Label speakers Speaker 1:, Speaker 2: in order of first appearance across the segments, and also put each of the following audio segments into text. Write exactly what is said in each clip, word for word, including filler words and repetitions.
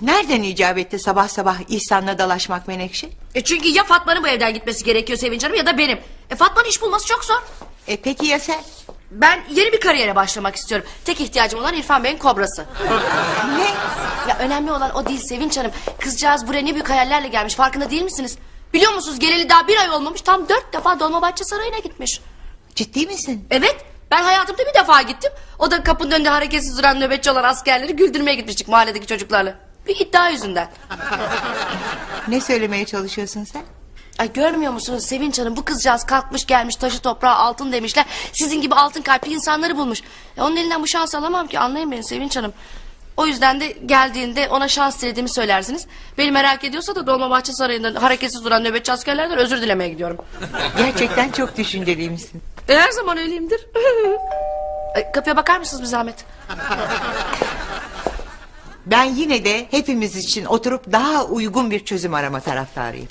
Speaker 1: Nereden icap etti sabah sabah İhsan'la dalaşmak Menekşe?
Speaker 2: E çünkü ya Fatma'nın bu evden gitmesi gerekiyor Sevinç Hanım ya da benim. E Fatma'nın iş bulması çok zor.
Speaker 1: E peki ya sen?
Speaker 2: Ben yeni bir kariyere başlamak istiyorum. Tek ihtiyacım olan İrfan Bey'in kobrası.
Speaker 1: Ne?
Speaker 2: Ya önemli olan o değil Sevinç Hanım. Kızcağız buraya ne büyük hayallerle gelmiş, farkında değil misiniz? Biliyor musunuz, geleli daha bir ay olmamış, tam dört defa Dolmabahçe Sarayı'na gitmiş.
Speaker 1: Ciddi misin?
Speaker 2: Evet, ben hayatımda bir defa gittim. O da kapının önünde hareketsiz duran nöbetçi olan askerleri güldürmeye gitmiştik mahalledeki çocuklarla. Bir iddia yüzünden.
Speaker 1: Ne söylemeye çalışıyorsun sen?
Speaker 2: Ay görmüyor musunuz Sevinç Hanım, bu kızcağız kalkmış gelmiş, taşı toprağa altın demişler. Sizin gibi altın kalpli insanları bulmuş. Ya onun elinden bu şansı alamam ki, anlayın beni Sevinç Hanım. O yüzden de geldiğinde ona şans dilediğimi söylersiniz. Beni merak ediyorsa da Dolmabahçe Sarayı'nda hareketsiz duran nöbetçi askerlerden özür dilemeye gidiyorum.
Speaker 1: Gerçekten çok düşünceliymişsin.
Speaker 2: E, her zaman öyleyimdir. Ay, kapıya bakar mısınız bir zahmet?
Speaker 1: Ben yine de hepimiz için oturup daha uygun bir çözüm arama taraftarıyım.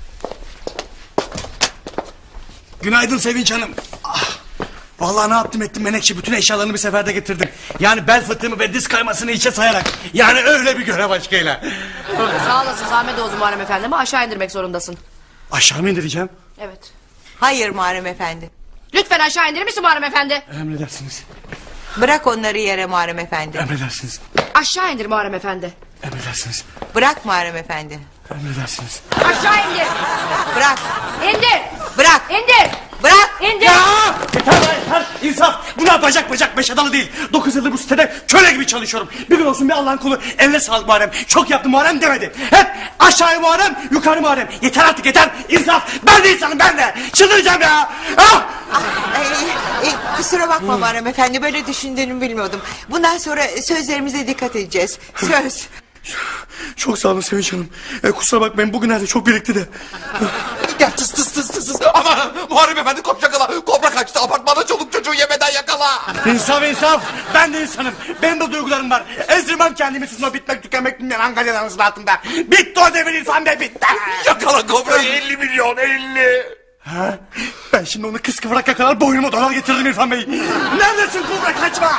Speaker 3: Günaydın Sevinç Hanım. Ah, vallahi ne yaptım ettim Menekşe, bütün eşyalarını bir seferde getirdim. Yani bel fıtığımı ve diz kaymasını içe sayarak. Yani öyle bir görev aşkıyla.
Speaker 2: Sağ olasın, zahmet oldu Muharrem Efendi ama aşağı indirmek zorundasın.
Speaker 3: Aşağı mı indireceğim?
Speaker 2: Evet.
Speaker 1: Hayır Muharrem Efendi.
Speaker 2: Lütfen aşağı indirir misin Muharrem Efendi?
Speaker 3: Emredersiniz.
Speaker 1: Bırak onları yere Muharrem Efendi.
Speaker 3: Emredersiniz.
Speaker 2: Aşağı indir Muharrem Efendi.
Speaker 3: Emredersiniz.
Speaker 1: Bırak Muharrem Efendi.
Speaker 3: Emredersiniz.
Speaker 2: Aşağı indir.
Speaker 1: Bırak.
Speaker 2: İndir.
Speaker 1: Bırak.
Speaker 2: İndir.
Speaker 1: Bırak.
Speaker 2: İndir.
Speaker 3: Ya! Yeter lan yeter! İnsaf! Bunlar bacak bacak beş adalı değil. Dokuz yıldır bu sitede köle gibi çalışıyorum. Bir gün olsun bir Allah'ın kulu. Eline sağlık Muharrem. Çok yaptı Muharrem demedi. Hep aşağıya Muharrem, yukarı Muharrem. Yeter artık yeter! İnsaf! Ben de insanım ben de! Çıldıracağım ya! Ah!
Speaker 1: Ee, e, kusura bakma Muharrem Efendi, böyle düşündüğünü bilmiyordum. Bundan sonra sözlerimize dikkat edeceğiz. Söz.
Speaker 3: Çok sağ olun Sevinç Hanım. E, kusura bakmayın bugünlerde çok birikti de.
Speaker 4: Gel tıs tıs tıs tıs tıs. Aman Muharrem Efendi koş yakala. Kobra kaçtı, apartmanda çoluk çocuğu yemeden yakala.
Speaker 3: İnsaf insaf! Ben de insanım. Benim de duygularım var. Ezdirmem kendimi sizin o bitmek tükenmek bilmeyen Ankara'nın altında. Bitti o devir İrfan Bey, bitti.
Speaker 4: Yakala kobrayı, elli milyon elli.
Speaker 3: Ha? Ben şimdi onu kıskıvrak yakalar boynuma dolar getirdim İrfan Bey. Neredesin kobra, kaçma!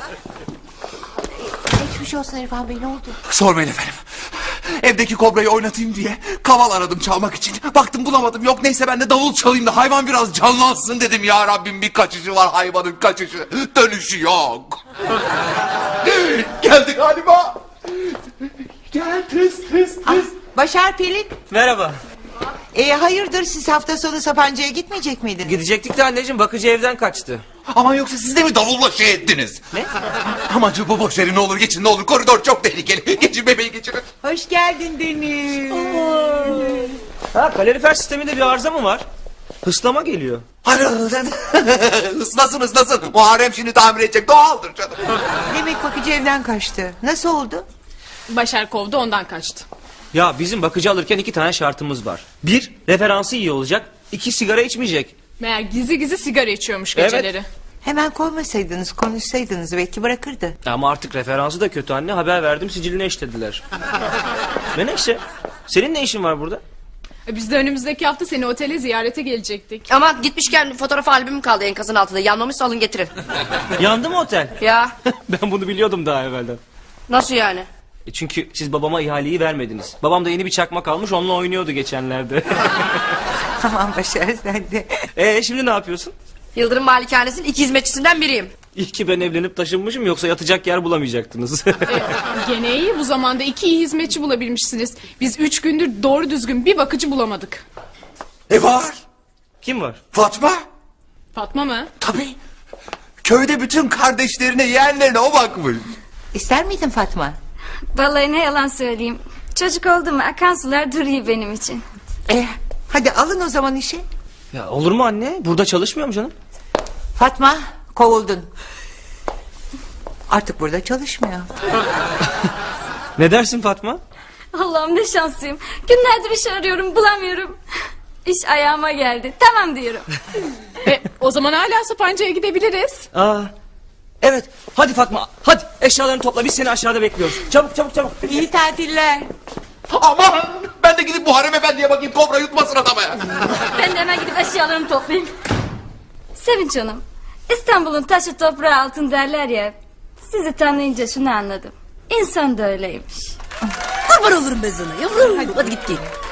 Speaker 1: Geçmiş olsun İrfan Bey, ne oldu?
Speaker 4: Sormayın efendim. Evdeki kobrayı oynatayım diye kaval aradım çalmak için. Baktım bulamadım, yok neyse ben de davul çalayım da hayvan biraz canlansın dedim. Ya Rabbim, bir kaçışı var hayvanın, kaçışı. Dönüşü yok. Geldi galiba. Gel tıs tıs tıs.
Speaker 1: Ah, Başar Pelin.
Speaker 5: Merhaba.
Speaker 1: E, hayırdır, siz hafta sonu Sapanca'ya gitmeyecek miydiniz?
Speaker 5: Gidecektik de anneciğim, bakıcı evden kaçtı.
Speaker 4: Aman yoksa siz de mi davulla şey ettiniz?
Speaker 5: Ne?
Speaker 4: Aman bu boş verin, ne olur geçin, ne olur, koridor çok tehlikeli. Geçin bebeği, geçirin.
Speaker 1: Hoş geldin Deniz.
Speaker 5: Ha, kalorifer sisteminde bir arıza mı var? Hıslama geliyor.
Speaker 4: Islasın ıslasın. Muharrem şimdi tamir edecek, doğaldır canım.
Speaker 1: Demek bakıcı evden kaçtı. Nasıl oldu?
Speaker 6: Başar kovdu, ondan kaçtı.
Speaker 5: Ya bizim bakıcı alırken iki tane şartımız var. Bir, referansı iyi olacak. İki, sigara içmeyecek.
Speaker 6: Meğer gizli gizli sigara içiyormuş
Speaker 5: Evet.
Speaker 6: geceleri.
Speaker 1: Hemen koymasaydınız, konuşsaydınız belki bırakırdı.
Speaker 5: Ama artık referansı da kötü anne. Haber verdim, siciline eşlediler. Menekşe, senin ne işin var burada?
Speaker 6: E, Biz de önümüzdeki hafta seni otele ziyarete gelecektik.
Speaker 2: Ama gitmişken fotoğraf albümüm kaldı enkazın altında. Yanmamışsa alın getirin.
Speaker 5: Yandı mı otel?
Speaker 2: Ya
Speaker 5: Ben bunu biliyordum daha evvelden.
Speaker 2: nasıl yani?
Speaker 5: E çünkü siz babama ihaleyi vermediniz. Babam da yeni bir çakmak almış, onunla oynuyordu geçenlerde.
Speaker 1: Aman Başar, sen de.
Speaker 5: E şimdi ne yapıyorsun?
Speaker 2: Yıldırım Malikanesi'nin iki hizmetçisinden biriyim.
Speaker 5: İyi ki ben evlenip taşınmışım, yoksa yatacak yer bulamayacaktınız.
Speaker 6: Gene iyi, bu zamanda iki iyi hizmetçi bulabilmişsiniz. Biz üç gündür doğru düzgün bir bakıcı bulamadık.
Speaker 4: E var.
Speaker 5: Kim var?
Speaker 4: Fatma.
Speaker 6: Fatma mı?
Speaker 4: Tabii. Köyde bütün kardeşlerine, yeğenlerine o bakmış.
Speaker 1: İster miydin Fatma?
Speaker 7: Vallahi ne yalan söyleyeyim. Çocuk oldu mu akan sular duruyor benim için.
Speaker 1: E, hadi alın o zaman işi.
Speaker 5: Ya olur mu anne? Burada çalışmıyor mu canım?
Speaker 1: Fatma, kovuldun. Artık burada çalışmıyor.
Speaker 5: Ne dersin Fatma?
Speaker 7: Allah'ım ne şanslıyım. Günlerdir iş arıyorum bulamıyorum. İş ayağıma geldi. Tamam diyorum.
Speaker 6: E, o zaman hala Sapanca'ya gidebiliriz.
Speaker 5: Aa, evet. Hadi Fatma, hadi eşyalarını topla. Biz seni aşağıda bekliyoruz. Çabuk çabuk çabuk.
Speaker 1: İyi tatiller.
Speaker 4: Aman ben de gidip Muharrem Efendi'ye bakayım, kobra yutmasın adamı.
Speaker 7: Ben de hemen gidip eşyalarımı toplayayım. Sevinç Hanım. İstanbul'un taşı toprağı altın derler ya. Sizi tanıyınca şunu anladım. İnsan da öyleymiş.
Speaker 8: Kurban olurum ben sana yavrum. Hadi git giyin.